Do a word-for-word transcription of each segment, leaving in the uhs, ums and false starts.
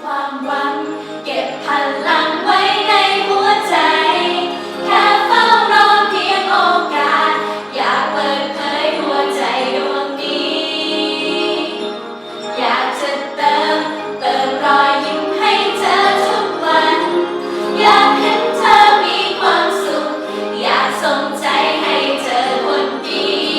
ความหวังเก็บพลังไว้ในหัวใจแค่เฝ้ารอเพียงโอกาสอยากเปิดเผยหัวใจดวงนี้อยากจะเติมเติมรอยยิ้มให้เธอทุกวันอยากเห็นเธอมีความสุขอยากส่งใจให้เธอคนดี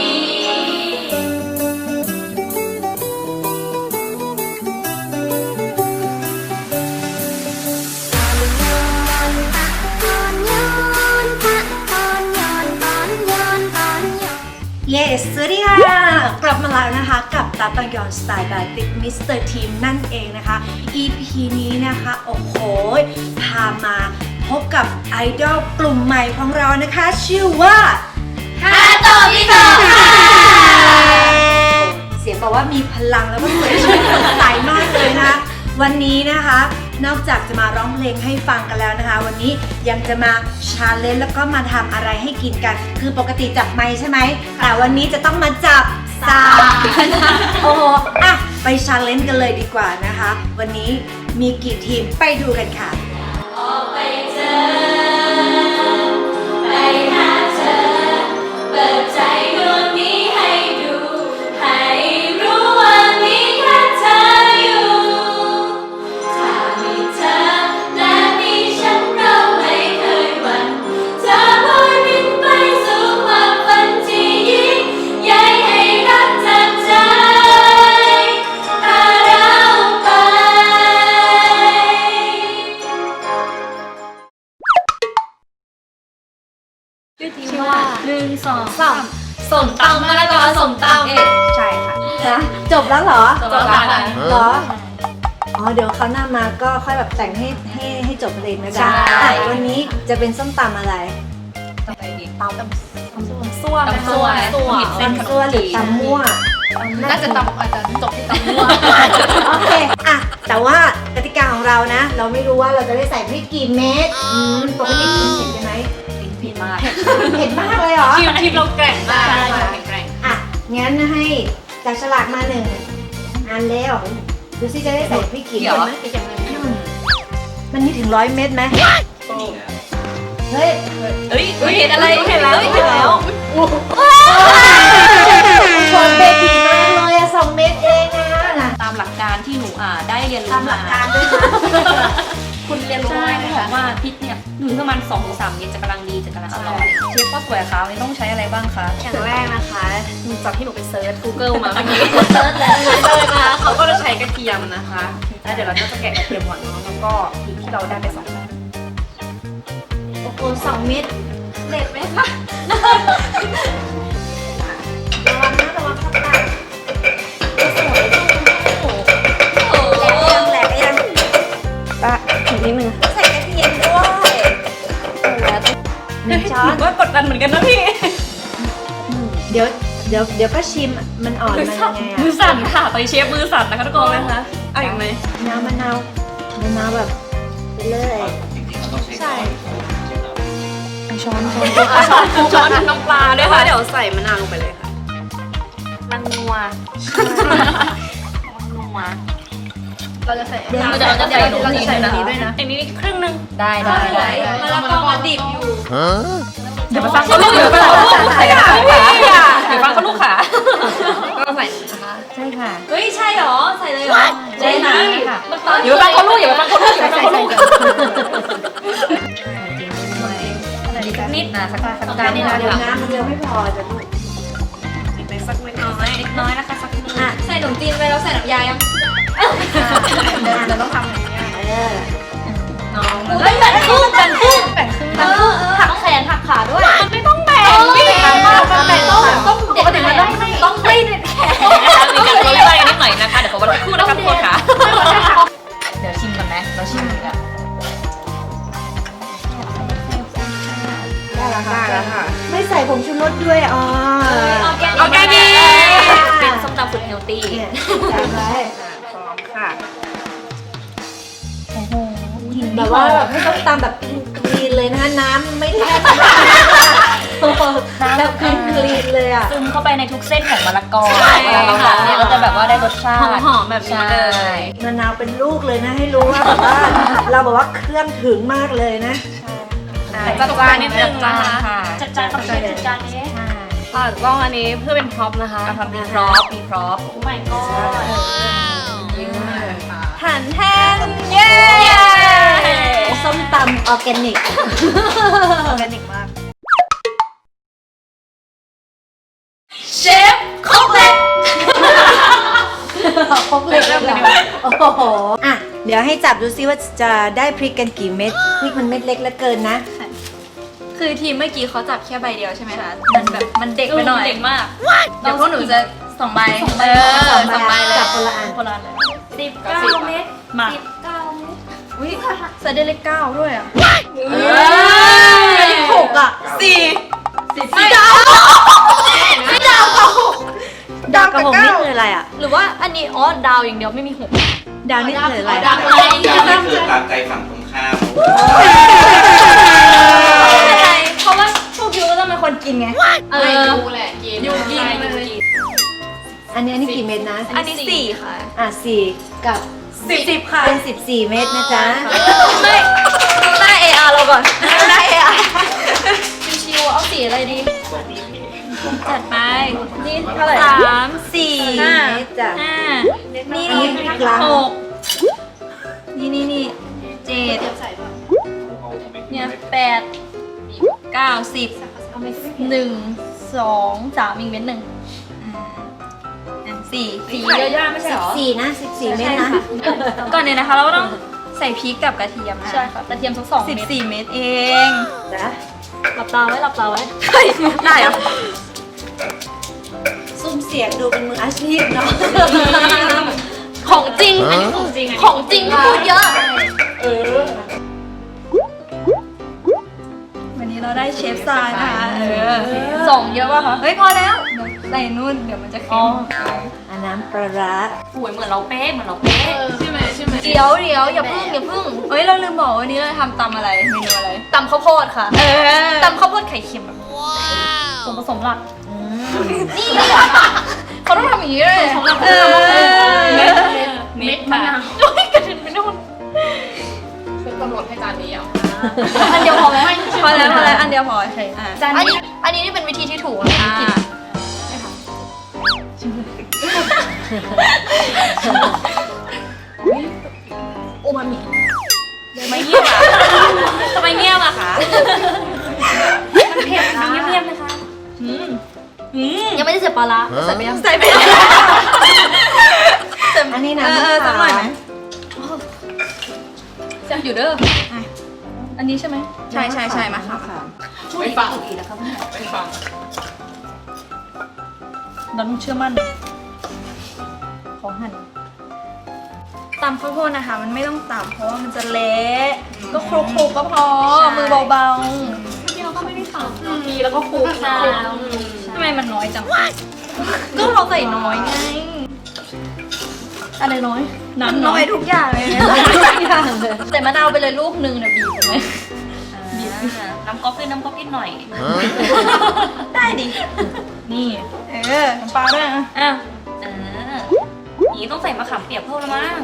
เยสสวัสดีค่ะกลับมาแล้วนะคะกับตาตังยอนสไตล์แบบติดมิสเตอร์ทีมนั่นเองนะคะ อี พี นี้นะคะโอ้โหพามาพบกับไอดอลกลุ่มใหม่ของเรานะคะชื่อว่าฮาโตะมิโตะค่ะเสียงบอกว่ามีพลังแล้วก็สวยชื่นสดใสมากเลยนะคะวันนี้นะคะนอกจากจะมาร้องเพลงให้ฟังกันแล้วนะคะวันนี้ยังจะมาชาเลนจ์แล้วก็มาทำอะไรให้กินกันคือปกติจับไม้ใช่ไหมแต่วันนี้จะต้องมาจับสากโอ้โหอ่ะไปชาเลนจ์กันเลยดีกว่านะคะวันนี้มีกี่ทีมไปดูกันค่ะออกไปเจอไปหาเธอเปิดใจดวงนี้ให้ดูให้รู้ว่ามีแค่เธออยู่ถ้ามีเธอและมีฉันเราไม่เคยหวั่นเธอลอยบินไปสู่ความฝันที่ยิ่งใหญ่ให้รักจากใจพาเราไปชื่อว่าหนึ่งสองสามส่งตำมะละกอส่งตำเอ๊ะใช่ค่ะนะจบแล้วเหรอจบแล้วค่ะเหรออ๋อเดี๋ยวเขาหน้ามาก็ค่อยแบบแต่งให้ให้ให้จบเพลงนะจ๊ะวันนี้จะเป็นส้มตำอะไรตำอะไรดีตำตำซั่วตำซั่วตำซั่วหรือตำมั่วน่าจะตำอาจจะจบที่ตำมั่วโอเคอะแต่ว่ากติกาของเรานะเราไม่รู้ว่าเราจะได้ใส่พริกกี่เม็ดปกติกินเผ็ดกันไหมเผ็ดมากเผ็ดมากเลยเหรอทีมทีมเราแกร่งมากใช่แกร่งอ่ะงั้นให้จับฉลากมาหนึ่งอันแล้วดูซิจะได้ใส่พริกกี่เม็ดไหมมันมีถึงร้อยเม็ดไหมเฮ้ยเฮ้ยเห็นอะไรเห็นแล้วเห็นแล้วชนเบบีมากเลยอะสองเม็ดเองนะตามหลักการที่หนูอ่าได้เรียนรู้ตามหลักการด้วยนะคุณเรียนรู้ไหมคะว่าพริกเนี่ยหนึ่งประมาณสองถึงสามเม็ดจะกำลังดีจะกำลังอร่อยเชฟข้าวสวยคะวันนี้ต้องใช้อะไรบ้างคะอย่างแรกนะคะจากที่หนูไปเซิร์ช Google มาเมื่อกี้เซิร์ชแล้วเซิร์ชนะคะเขาก็จะใช้กระเทียมนะคะแล้วเดี๋ยวเราก็จะแกะกระเทียมก่อนแล้วก็พริกที่เราได้ไปสองเม็ดโอ้โหสองเม็ดเด็ดไหมคะระวังนะระวังข้างใต้แหลกยังปะถึงนิดนึงใส่กระเทียมด้วยหนึ่งช้อนว่ากดดันเหมือนกันนะพี่เดี๋ยวเดี๋ยวเดี๋ยวก็ชิมมันอ่อนมันยังไงอะมือสั่นค่ะตอนเชฟมือสั่นนะคะทุกคนนะคะเอาอีกไหมน้ำมะนาวมะนาวแบบไปเลยใช่ช้อนช้อนช้อนช้อนน้ำปลาด้วยค่ะเดี๋ยวใส่มะนาวลงไปเลยค่ะมันนัวนัวเราจะใส่เดี๋ยวเราจะใส่เราจะใส่อันนี้ด้วยนะอันนี้ครึ่งนึงได้ได้ได้มะละกอมันดิบอยู่เดี๋ยวไปฟังเขาลูกเดี๋ยวไปฟังเขาลูกค่ะเดี๋ยวฟังเขาลูกค่ะก็ใส่นะคะใช่ค่ะเฮ้ยใช่หรอใส่เลยหรอใช่ค่ะเดี๋ยวไปฟังเขาลูกเดี๋ยวไปฟังเขาลูกเดี๋ยวไปฟังเขาลูกนิดนะสักสักการนิดนะเดี๋ยวน้ำมันจะไม่พอจะลูกไปสักเล็กน้อยเล็กน้อยนะคะสักนิดอ่ะใส่ขนมจีนไปแล้วใส่น้ำยายังเราต้องทำอย่างนี้เออน้องเฮ้ยแบ่งครึ่งแบ่งครึ่งแบ่งครึ่งเออหักแขนหักขาด้วยไม่ต้องแบ่งไม่ต้องแบ่งต้องแบ่งต้องปกติมันต้องต้องไม่เด็ดแขนมีการตัวเล็กๆนิดหน่อยนะคะเดี๋ยวขอวันคู่นะคะทุกคนค่ะเดี๋ยวชิมกันไหมเราชิมกันได้แล้วค่ะไม่ใส่ผงชูรสด้วยอ๋อออร์แกนิกเป็นส้มตำสุดเฮลตี้จำไว้พร้อมค่ะโอ้โหแบบว่าแบบไม่ต้องตำแบบคลีนเลยนะคะน้ำไม่แทบแบบคลีนคลีนเลยอ่ะซึมเข้าไปในทุกเส้นของมะละกอใช่เวลาเราหมักเนี่ยก็จะแบบว่าได้รสชาติหอมๆแบบนี้เลยใช่มะนาวเป็นลูกเลยนะให้รู้ว่าแบบว่าเราบอกว่าเครื่องถึงมากเลยนะจัดจานนิดนึงนะคะค่ะจัดจานกับเชฟจัดจานนี้ค่ะต้องอันนี้เพื่อเป็นพร็อพนะคะเอาทำมีพร็อพมีพร็อพโอ้ my god หันแทนเย้ส้มตำออร์แกนิกออร์แกนิกมากเชฟครบเลยพกเล็กแล้วโอ้โหอ่ะเดี๋ยวให้จับดูซิว่าจะได้พริกกันกี่เม็ดพริกมันเม็ดเล็กเหลือเกินนะคือทีมเมื่อกี้เขาจับแค่ใบเดียวใช่ไหมคะ มันแบบมันเด็กไปหน่อยเด็กมากเดี๋ยวพวกหนูจะสองใบเออสองใบสองใบเลยจับคนละอันคนละอันเลยสิบเก้าเมตรมาสิบเก้าเมตรอุ้ยใส่ได้เลขเก้าด้วยอ่ะเอหกอ่ะสี่สิบสี่ดาวไม่ดาวกับหกดาวกับหกนี่คืออะไรอ่ะหรือว่าอันนี้อ๋อดาวอย่างเดียวไม่มีหกดาวนี่คืออะไรดาวอะอะไรอยากให้เกิดตามใจฝั่งตรงข้ามไม่เป็นไรเพราะว่าพวกยูก็ต้องเป็นคนกินไงเออยูแหละกินยูกินเลยอันนี้อันนี้กี่เม็ดนะอันนี้สี่ค่ะอ่ะสี่กับสิบสิบค่ะเป็นสิบสี่เม็ดนะจ๊ะไม่หน้า เอ อาร์ เราก่อนหน้า เอ อาร์ ชิวๆเอาสีอะไรดี จัดไป นี่เท่าไหร่สามสี่ห้าห้าเม็ดจ้ะห้านี่อันนี้พริกล้างหกนี่นี่นี่เจ็ดเนี่ยแปดเก้าสิบหนึ่งสองสามอีกเม็ดหนึ่งอ่าสี่สี่เยอะๆไม่ใช่สิเหบรอสี่นะสิบสี่เม็ดนะก่อนเนี่ยนะคะเราก็ต้องใส่พริกกับกระเทียมนะใช่ค่ะกระเทียมสักสองสิบสี่เม็ดเองจ้ะหลับตาไว้หลับตาไว้ได้เหรอซุ้มเสียงดูเป็นมืออาชีพเนาะของจริงอันนี้ของจริงของจริงพูดเยอะวันนี้เราได้เชฟทรายนะคะเออสองเยอะป่ะคะเฮ้ยพอแล้วเดี๋ยวใส่นู่นเดี๋ยวมันจะเค็มอันน้ำปลาร้าสวยเหมือนเราเป๊ะเหมือนเราเป๊ะใช่ไหมใช่ไหมเดี๋ยวเดี๋ยวอย่าพึ่งอย่าพึ่งเฮ้ยเราลืมบอกวันนี้เราทำตำอะไรเมนูอะไรตำข้าวโพดค่ะเออตำข้าวโพดไข่เค็มแบบส่วนผสมหลักอืมนี่เขาต้องทำอย่างนี้เลยเออเม็ดเม็ดมะนาวโอ้ยกระเด็นไปนู่นคือกำหนดให้จานนี้อ่ะอันเดียวพอไหมพอแล้วพอแล้วอันเดียวพอใช่อ่ะจานนี้อันนี้นี่เป็นวิธีที่ถูกนะอ่ากิน โอมามิทำไมเงียบอ่ะทำไมเงียบอ่ะคะมันเผ็ดนะเงียบๆเลยค่ะยังไม่ได้เสียปลาละใส่ไปยังใส่ไปเลยอันนี้เอน้ำอเออสักหน่อยไหมจะอยู่เด้ออันนี้ใช่ไหมใช่ใช่ใช่มาค่ะไม่ฟังไม่ฟังเราต้องเชื่อมั่นขอหั่นตำข้าวโพดนะคะ มันไม่ต้องตำเพราะว่ามันจะเละก็คลุกๆก็พอมือเบาเมื่อกี้เราก็ไม่ได้ฟังทีแล้วก็คลุกนะๆทำไมมันน้อยจังก็เราใส่น้อยไงอะไรน้อยน้ำน้อยทุกอย่างเลยนะใส่มะนาวไปเลยลูกหนึ่งเดี๋ยวบีบถูกไหมน้ำก๊อกขึ้นน้ำก๊อกนิดหน่อยได้ดิ นี่ เออน้ำปลาด้วยนะอ่ะเอออย่างนี้ต้องใส่มะขามเปียกเพิ่มแล้วมั้ง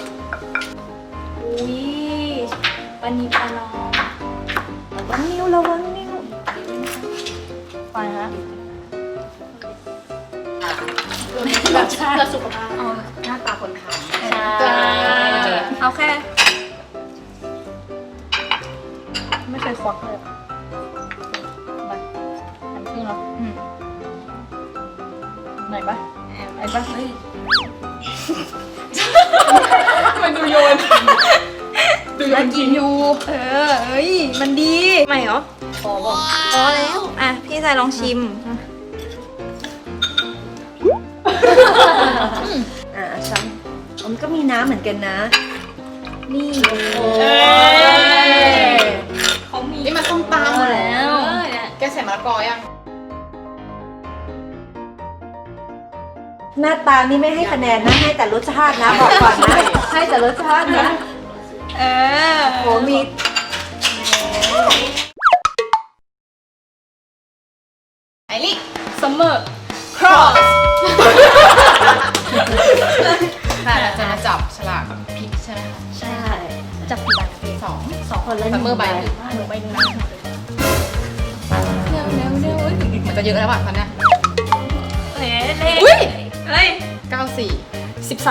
อุ้ยปานีปลาน้องระวังนิ้วระวังนิ้วไปฮะแบบชาติสุขภาพเอาหน้าตาคนทำใช่เอาแค่ ไม่เคยควักเลยไปหันครึ่งแล้วอืมไหนปะไหนปะเฮ้ยมันดูโยนดูยกินอยู่ เออเอ้ย มันดี ไม่เหรอพอบอกพอแล้ว อ่ะ พี่ชายลองชิมอ่าช้ำมันก็มีน้ำเหมือนกันนะ นี่เอ้ยเขามีนี่มันส้มตำหมดแล้วเออเนี่ยแกใส่มะละกอยังหน้าตานี่ไม่ให้คะแนนนะ ให้แต่รสชาตินะบอกก่อนนะ ให้แต่รสชาตินะเออโหมีพริกใช่ไหมคะใช่ค่ะจับกี่ใบนะพี่สองสองคนละหซันึ่มงเมอร์ใบใบหนึ่งหนูใบหนึ่งนะเร็วเร็วเร็วเหมือนจะเยอะแล้วว่ะตอนเนี้ยเฮ้เลขอุ้ยเฮ้ยเก้าสี่สิบสาม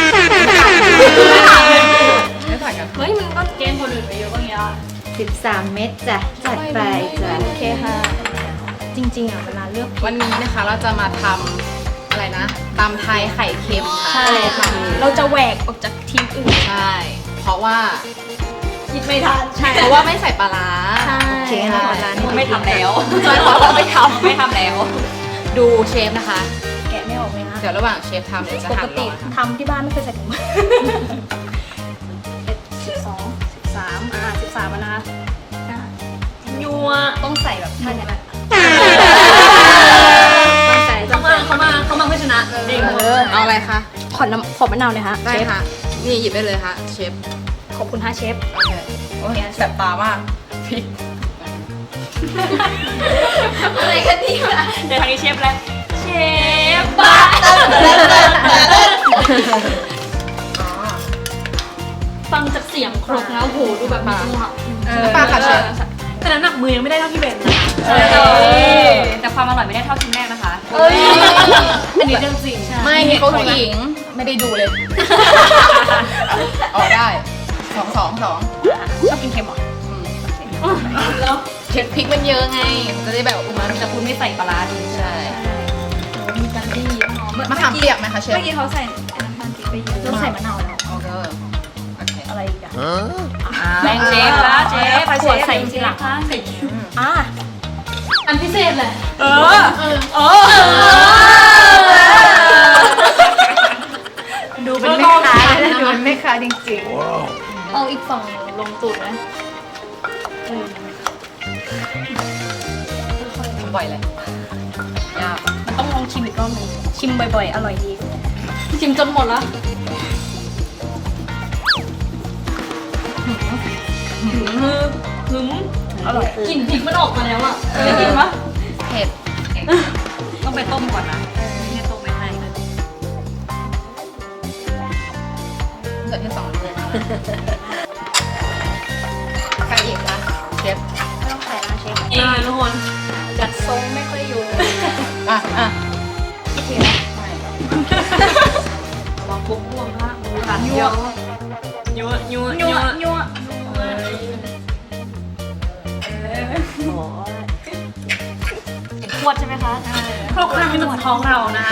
ไม่ต่างกันเฮ้ยมันก็เกณฑ์คนอื่นไปเยอะกว่านี้ละสิบสามเม็ดจ้ะจัดไปจ้ะโอเคค่ะ จริงๆอ่ะเวลาเลือกวันนี้นะคะเราจะมาทำอะไรนะตำไทยไข่เค็มค่ะใช่ค่ะ เราจะแหวกออกจากทีมอื่นใช่ เพราะว่าคิดไม่ทันใช่เพราะว่าไม่ใส่ปลาร้าใช่โอเคค่ะเวลานี้ไม่ทำแล้วใช่เพราะว่าไม่ทำไม่ทำแล้ว ดูเชฟนะคะแกะไม่ออกเลยนะเดี๋ยวระหว่างเชฟทำเดี๋ยวจะปหั่กนติรอนะคะทำที่บ้านไม่เคยใส่ถุงมือสิบสองสิบสามอ่าสิบสามนะยัวต้องใส่แบบท่านี้แหละต้องใส่เขามาเขามาเขามาเพื่อชนะเด็กเออเอาอะไรคะขอน้ำขอมะนาวเลยฮะได้ค่ะ นี่หยิบได้เลยค่ะเชฟขอบคุณฮะเชฟโอเคโอ้ยแสบตามากพริกอะไรกันดีวะเดี๋ยวทางนี้เชฟแล้วเชฟบ้าอ๋อฟังจากเสียงครกแล้วโหดูแบบมีจังหวะน้ำปลาค่ะเชฟแต่น้ำหนักมือยังไม่ได้เท่าพี่เบนนะคะใช่แต่ความอร่อยไม่ได้เท่าทีมแรกนะคะเอ้ยอันนี้เรื่องจริงไม่มีเขาหญิงไม่ได้ดูเลย ออกได้สองสองสองชอบกินเค็มเหรออืมแล้วเช็ดพริกมันเยอะไงมันจะได้แบบอุมามิแต่คุณไม่ใส่ปลาร้าดีใช่มีการดีหอมมะขามเปียกไหมคะเชฟเมื่อกี้เขาใส่น้ำตาลปี๊บไปเยอะต้องใส่มะนาวแล้วโอเคโอเคอะไรอีกอะแบ่งเชฟละเชฟขวดใส่ทีหลังใส่อ่ะอันพิเศษเลยเออเออดูเป็นแม่ค้าเลยนะดูเป็นแม่ค้าจริงเอาอีกฝั่งลงตูดนะทำบ่อยเลยยากมันต้องลองชิมอีกรอบหนึงชิมบ่อยๆ อร่อยดี ชิมจนหมดแล้วหึมอร่อยกลิ่นพริกมันออกมาแล้วอ่ะได้กินปะเผ็ดต้องไปต้มก่อนนะไม่ได้ต้มไม่ให้เหลือแค่สองเลยใครอีกคะเชฟไม่ต้องใส่นะเชฟนี่ทุกคนจัดทรงไม่ค่อยอยู่อ่ะอ่ะโอเควางปุ๊บม่วงละร้านยั่วยั่วยั่วยั่วยั่วขวดใช่ไหมคะครกน้ำมันจะท้องเรานะ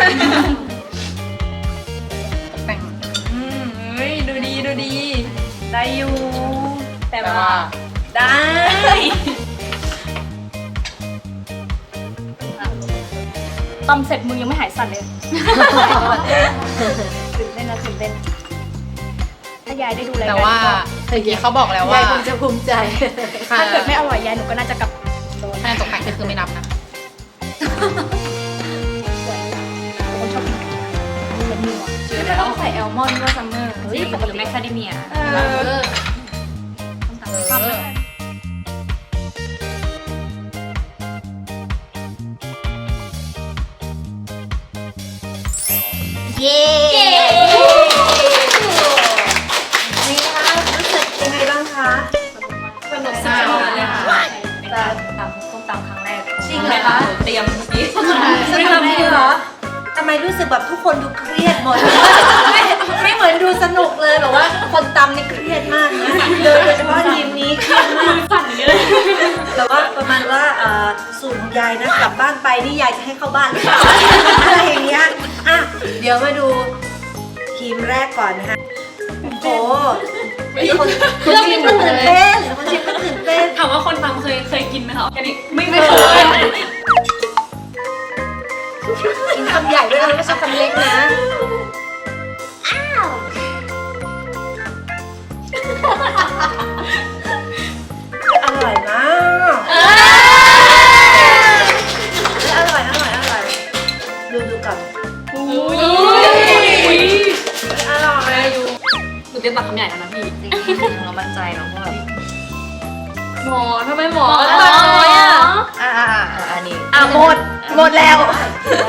แต่งอืมเฮ้ยดูดีดูดี ได้อยู่ แต่แต่ว่าว่าได้ตำเสร็จมือยังไม่หายสั่นเลยตื่นเต้นนะตื่นเต้นถ้ายายได้ดูรายแต่การว่านี้ก็เมื่อกี้เขาบอกแล้วๆว่ายายคงจะภูมิใจค่ะถ้าเกิดไม่อร่อยยายหนูก็น่าจะกลับโดนคะแนนตกแต่งก็คือไม่นับนะสวยคนชอบกินเป็นนัวชื่อไม่แล้วต้องใส่แอลมอนด์ก็ซัมเมอร์หรือปกติแมคคาเดเมียเออต้องตำเออเย้นี่นะคะรู้สึกยังไงบ้างคะสนุกสนานเลยค่ะเป็นการตำส้มตำครั้งแรกจริงเหรอคะเตรียมเมื่อกี้ไม่ทำได้เหรอทำไมรู้สึกแบบทุกคนดูเครียดหมด ไม่ไม่เหมือนดูสนุกเลยแบบว่าคนตำนี่เครียดมากนะโดยเฉพาะทีมนี้เครียดมากสั่นอย่างนี้เลยแต่ว่าประมาณว่าเอ่อสูตรของยายนะกลับบ้านไปนี่ยายจะให้เข้าบ้านหรือเปล่าอะไรอย่างเงี้ยอ่ะเดี๋ยวมาดูทีมแรกก่อนนะคะโอ้โหคนคนชิมก็ตื่นเต้นคนชิมก็ตื่นเต้นถามว่าคนทำเคยเคยกินไหมคะออร์แกนิกไม่เคยกินคำใหญ่ด้วยนะไม่ใช่คำเล็กนะอ้าวอร่อยมากอร่อยอร่อยอร่อยดูดูก่อนอุ้ยอร่อยหนูเตรียมตักคำใหญ่แล้วนะพี่เรามั่นใจเนาะว่าแบบหมอทำไมหมอหมอตักน้อยอ่ะอ่าอ่าอ่าอันนี้อ่ะหมดหมดแล้ว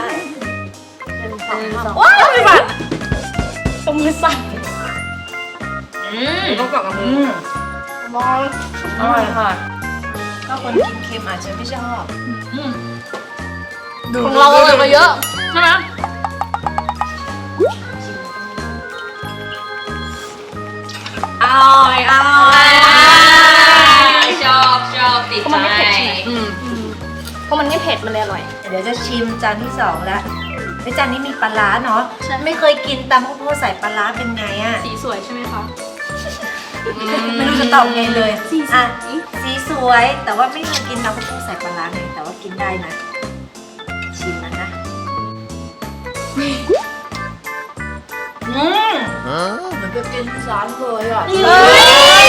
หนึ่งสองสามว้าวไม่บัดตรงมือสั่นต้องกรอบกับมือือมอร่อยค่ะก็คนกินเค็มอาจจะไม่ชอบของเราอร่อยกว่าเยอะใช่ไหมอร่อยอร่อยชอบชอบติดเพราะมันไม่ใจเผ็ดใช่ไหมอืมเพราะมันไม่เผ็ดมันเลยอร่อยเดี๋ยวจะชิมจานที่สองแล้วในจานนี้มีปลาร้าเนาะไม่เคยกินตำข้าวโพดใส่ปลาร้าเป็นไงอะสีสวยใช่ไหมคะไม่รู้จะตอบไงเลยอ่ะสีสวยแต่ว่าไม่เคยกินตำข้าวโพดใส่ปลาร้าไงแต่ว่ากินได้นะ ชิมมันนะอืมเหมือนไปกินซอสเลยอ่ะเฮ้ย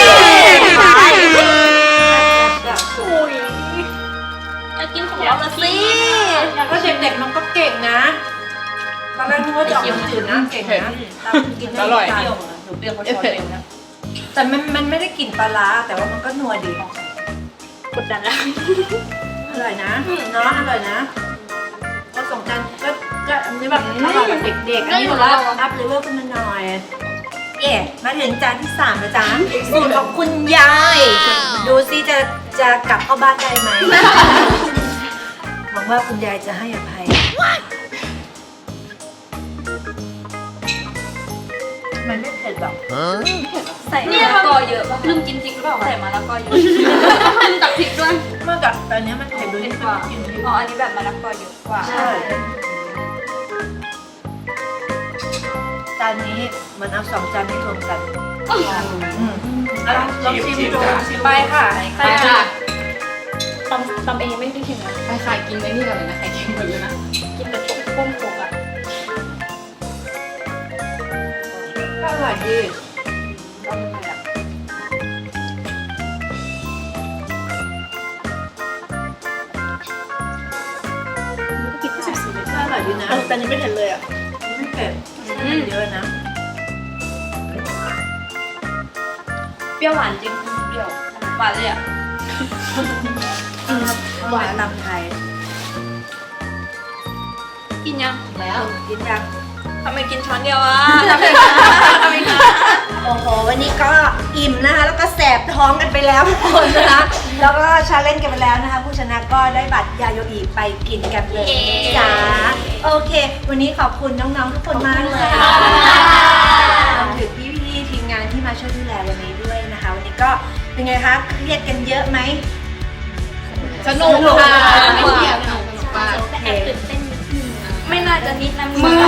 จะกินของเราละสิก็เด็กๆมันก็เก่งนะตอนแรกนึกว่าจะออกมาจืดนะเก่งนะตำกินได้อร่อยทุกจานหนูเปรี้ยวเขาชอบเองนะแต่มันมันไม่ได้กลิ่นปลาร้าแต่ว่ามันก็นัวดีกดดันแล้วอร่อยนะเนาะอร่อยนะก็สองจานก็ก็อันนี้แบบอร่อยแบบเด็กๆอันนี้แบบว่าอัพเลเวลขึ้นมาหน่อยเย่มาถึงจานที่สามแล้วจ้าสูตรของคุณยายดูซิจะจะกลับเข้าบ้านได้ไหมหวังว่าคุณยายจะให้อภัยมันไม่เผ็ดหรอกใส่มะละกอเยอะป่ะลืมกินพริกหรือเปล่าใส่มะละกอเยอะลืมตักพริกด้วยเมื่อกับตอนนี้มันเผ็ดด้วยที่ว่ากินพริกอ๋ออันนี้แบบมะละกอเยอะกว่าใช่จานนี้เหมันเอาสองจานนี้รวมกันอืมแล้วลองชิมดูชิมไปค่ะไปค่ะตำตำเองไม่ได้ชิมนะไปค่ะกินไอ้นี่ก่อนเลยนะไข่เค็มหมดเลยนะกินแบบต้มโคกอ่ะก็อร่อยดีก็อร่อยดีนะแต่นี้ไม่เผ็ดเลยอ่ะไม่เผ็ดเยอะนะเปรี้ยวหวานจริงเปรี้ยวหวานเลยอ่ะหวานลำไทยกินยังแล้วกินยังทำไมกินช้อนเดียวอ่ะโอ้โห วันนี้ก็อิ่มนะคะ แล้วก็แสบท้องกันไปแล้วทุกคนนะคะ แล้วก็ชาเลนจ์กันไปแล้วนะคะ ผู้ชนะก็ได้บัตรยาโยอีไปกินกันเลยจ้าโอเค วันนี้ขอบคุณน้องๆทุกคนมากเลยค่ะรวมถึงพี่ๆทีมงานที่มาช่วยดูแลวันนี้ด้วยนะคะ วันนี้ก็เป็นไงคะเครียดกันเยอะไหมสนุกค่ะไม่เกี่ยวสนุกมากโอเคไม่น่าจะนิดนะมืมือ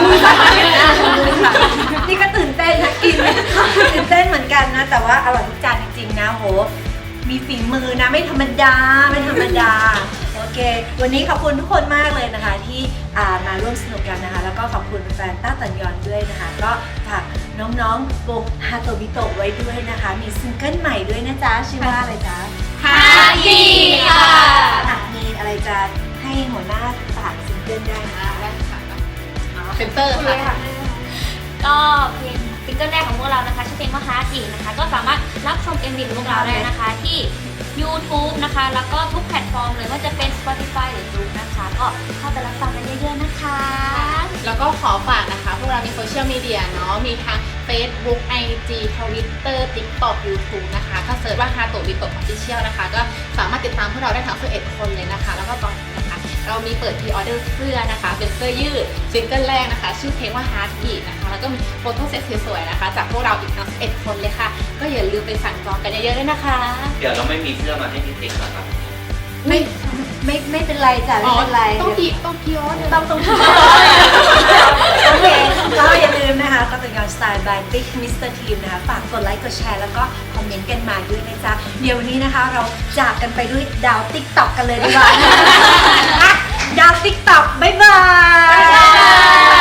นี่ก็ตื่นเต้นนะกินตื่นเต้นเหมือนกันนะ แต่ว่าอร่อยทุกจานจริงๆนะโห มีฝีมือนะไม่ธรรมดาไม่ธรรมดาโอเค วันนี้ขอบคุณทุกคนมากเลยนะคะ ที่อ่ามาร่วมสนุกกันนะคะ แล้วก็ขอบคุณแฟนต้าตันยอนด้วยนะคะ ก็ฝากน้องๆวงฮาโตบิโตะไว้ด้วยนะคะ มีซิงเกิลใหม่ด้วยนะจ๊ะชื่อว่าอะไรจ๊ะฮายีค่ะอ่ะมีอะไรจะให้หัวหน้าฝากซิงเกิลได้ไหมคะเซนเตอร์ค่ะก็เพลงซิงเกิลแรกของพวกเรานะคะชื่อเพลงว่าฮาร์ดอีกนะคะ ก็สามารถรับชม เอ็ม วี ของพวกเราได้นะคะที่ YouTube นะคะ แล้วก็ทุกแพลตฟอร์มเลยว่าจะเป็น Spotify หรือ Zoom นะคะ ก็เข้าไปรับฟังกันเยอะๆนะคะแล้วก็ขอฝากนะคะ พวกเรามีโซเชียลมีเดียเนาะ มีทั้ง Facebook ไอ จี Twitter TikTok YouTube นะคะ ก็เสิร์ชว่าฮาโตะบิโตะ Official นะคะ ก็สามารถติดตามพวกเราได้ทั้งสิบเอ็ดคนเลยนะคะ แล้วก็ตอนนี้นะคะ เรามีเปิดพรีออเดอร์เสื้อนะคะ เป็นเสื้อยืดซิงเกิลแรกนะคะ ชื่อเพลงว่า Heart Beat นะคะ แล้วก็มีโฟโต้เซตสวยๆนะคะ จากพวกเราอีกทั้งสิบเอ็ดคนเลยค่ะ ก็อย่าลืมไปสั่งจองกันเยอะๆด้วยนะคะเดี๋ยวเราไม่มีเสื้อมาให้พี่ติ๊กนะครับไม่ไม่ไม่เป็นไรจ้ะไม่เป็นไรต้องพีต้องพีออเดอร์ต้องต้องโอเคก็อย่าลืมนะคะก็เป็นการสไตล์ by Big มิสเตอร์ Team นะคะฝากกดไลค์กดแชร์แล้วก็คอมเมนต์กันมาด้วยนะจ๊ะเดี๋ยววันนี้นะคะเราจากกันไปด้วยดาว TikTok กันเลยดีกว่านะคะอ่ะดาว TikTok บ๊ายบาย